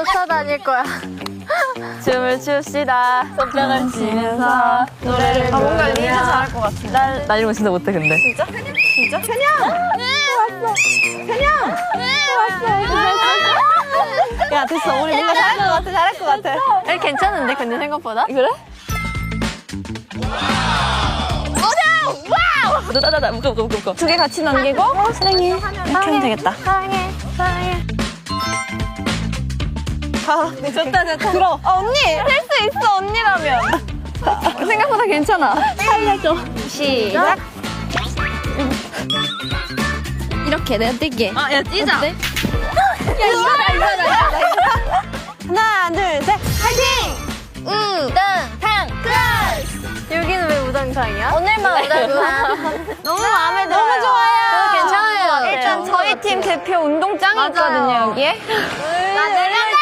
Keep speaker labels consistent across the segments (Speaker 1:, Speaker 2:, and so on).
Speaker 1: 쫓아다닐 거야.
Speaker 2: 춤을 춥시다. 손뼉을 치면서 노래를
Speaker 3: 뭔가 리즈 잘할 것 같은데.
Speaker 2: 나 이런 거 진짜 못해 근데.
Speaker 3: 진짜? 편영! 네! 왔어. 편영! 네! 왔어. 야, 됐어. 우리 뭔가 잘할 것 같아, 잘할 것 같아.
Speaker 2: 괜찮은데 근데 생각보다?
Speaker 3: 그래?
Speaker 2: 와우! 나나나 묶어.
Speaker 3: 두 개 같이 넘기고 사랑해 이렇게 하면 되겠다.
Speaker 1: 사랑해.
Speaker 3: 좋다. 들어. 언니 할 수 있어 언니라면. 생각보다 괜찮아.
Speaker 1: 살려줘.
Speaker 3: 시작.
Speaker 1: 이렇게 내가 뛸게.
Speaker 2: 야 뛰자.
Speaker 1: 어때? 야, 이거다.
Speaker 3: 하나 둘 셋. 파이팅.
Speaker 1: 우당탕 클래스. 여기는 왜 우당탕이야?
Speaker 2: 오늘만
Speaker 1: 우당탕.
Speaker 3: 너무 마음에 들어요. 너무 좋아요.
Speaker 1: 괜찮아요.
Speaker 3: 일단 저희 팀 대표 운동장이
Speaker 1: 맞아요.
Speaker 3: 있거든요 여기에.
Speaker 1: 나 내려가.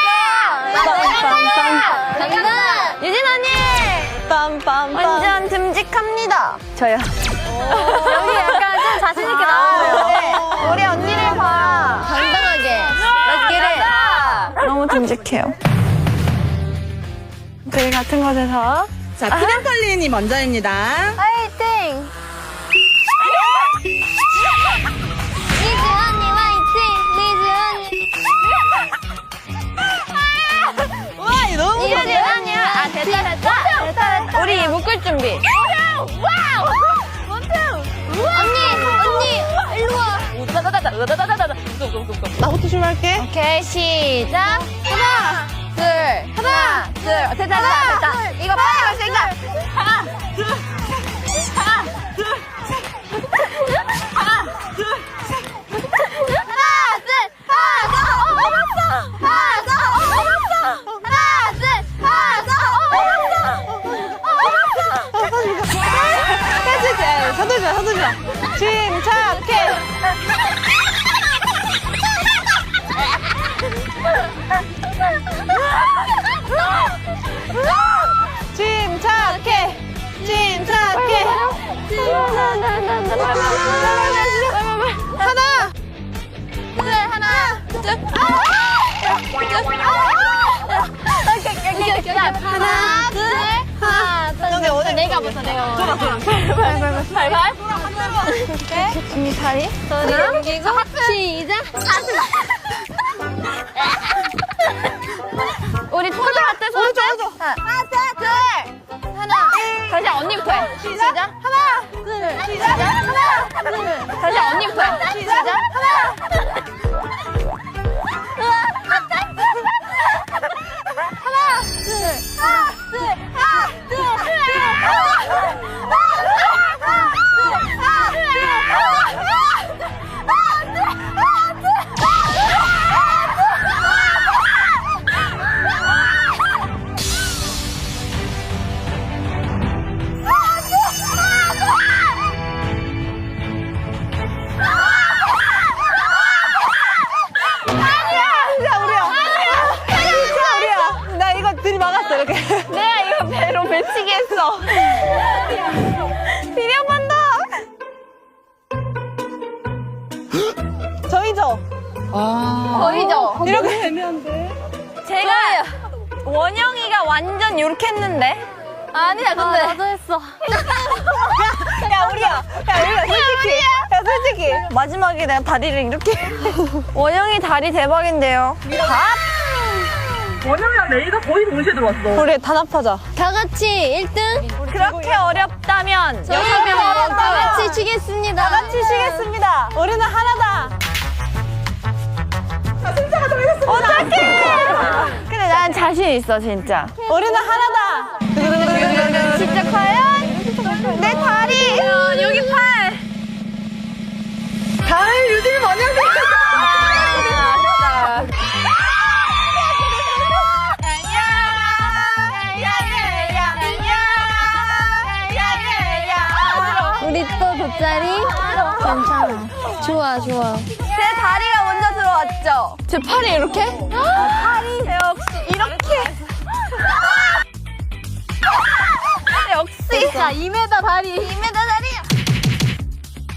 Speaker 1: 간다.
Speaker 3: 유진 언니.
Speaker 2: 빰빰빰.
Speaker 3: 완전 듬직합니다.
Speaker 2: 저요.
Speaker 1: 여기 약간 좀 자신 있게 나오세요.
Speaker 3: 우리 언니를 봐.
Speaker 1: 당당하게. Let's get it.
Speaker 3: 너무 듬직해요. 저희 같은 곳에서
Speaker 4: 자, 피디컬린이 먼저입니다.
Speaker 1: 화이팅. 리즈 언니 화이팅. 리즈 언니.
Speaker 4: 와, 이거 너무
Speaker 1: 리즈 언니. 아 됐다.
Speaker 3: 우리 묶을 준비.
Speaker 1: 언니 일로 와.
Speaker 4: 나부터 출발할게.
Speaker 1: 오케이 시작. 하나 둘. 됐다. 이거 빨리 갈 수 있다.
Speaker 3: 서두르자. 침착해. 침착해.
Speaker 1: 하나 둘. 내가 먼저.
Speaker 3: 발발.
Speaker 1: 언니 다리. 소리 옮기고 시작. 우리 포즈 할때 손. 하나 둘.
Speaker 3: 다시 언니부터 해.
Speaker 1: 시작. 하나 둘. 시작. 하나 둘.
Speaker 3: 다시 언니부터 해.
Speaker 1: 시작. 하나.
Speaker 3: 나 이거 들이막았어 이렇게. 내가 이거 배로 맺히게 했어. 비리 한 번 더. 저희죠.
Speaker 1: 보이죠?
Speaker 3: 이렇게 되면 돼. 제가 원영이가 완전 요렇게 했는데.
Speaker 1: 아니야 근데 나도 했어.
Speaker 3: 야 우리야 솔직히 마지막에 내가 다리를 이렇게. 원영이 다리 대박인데요.
Speaker 4: 원영이랑 레이가 거의 동시에 들어왔어.
Speaker 3: 우리 단합하자.
Speaker 1: 다 같이 1등.
Speaker 3: 그렇게 어렵다면
Speaker 1: 저희
Speaker 3: 6명
Speaker 1: 다 같이 치겠습니다.
Speaker 3: 다 같이 쉬겠습니다. 우리는 하나다. 어떡해! 근데 난 자신 있어 진짜. 우리는 하나다. 진짜 과연 내 다리 여기 팔.
Speaker 4: 다음 유진이 원영이.
Speaker 1: 우리 또 돗자리? 괜찮아. 좋아.
Speaker 3: 제 다리가 먼저 들어왔죠? 제 팔이 이렇게? 팔이 역시 이렇게. 역시.
Speaker 1: 자, 2m 다리.
Speaker 3: 2m 다리.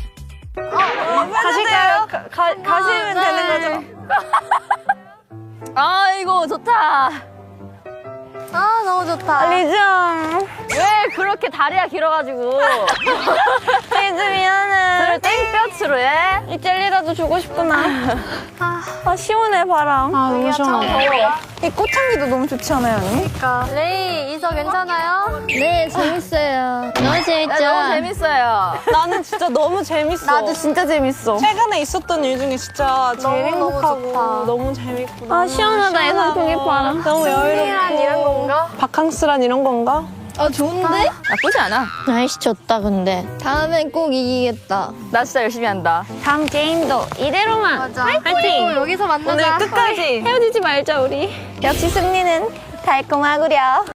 Speaker 3: 가실까요? 가시면 되는 거죠?
Speaker 1: 아이고, 좋다.
Speaker 3: 아, 너무 좋다.
Speaker 2: 리즘.
Speaker 1: 왜 그렇게 다리가 길어가지고.
Speaker 2: 리즘 미안해.
Speaker 1: 저를 땡볕으로 해?
Speaker 2: 이 젤리라도 주고 싶구나. 아, 시원해, 바람.
Speaker 3: 아, 너무 시원하다.
Speaker 2: 이 꽃향기도 너무 좋지 않아요, 언니?
Speaker 3: 레이, 이서 괜찮아요?
Speaker 1: 네, 재밌어요. 너무 재밌죠? 너무 재밌어요.
Speaker 2: 나는 진짜 너무 재밌어. 나도 진짜 재밌어.
Speaker 4: 최근에 있었던 일 중에 진짜 제일
Speaker 3: 너무
Speaker 4: 행복하고
Speaker 3: 좋다.
Speaker 4: 너무 재밌고
Speaker 2: 아, 시원하다, 이 선풍기 바람.
Speaker 4: 너무 여유롭고
Speaker 3: 이런 건가?
Speaker 4: 바캉스란 이런 건가?
Speaker 1: 아, 좋은데? 나쁘지 않아.
Speaker 3: 날씨 좋다, 근데.
Speaker 1: 다음엔 꼭 이기겠다. 나 진짜 열심히 한다.
Speaker 2: 다음 게임도 이대로만.
Speaker 3: 맞아.
Speaker 2: 화이팅!
Speaker 3: 그리고 여기서 만나자.
Speaker 2: 오늘 끝까지 헤어지지 말자, 우리. 역시 승리는 달콤하구려.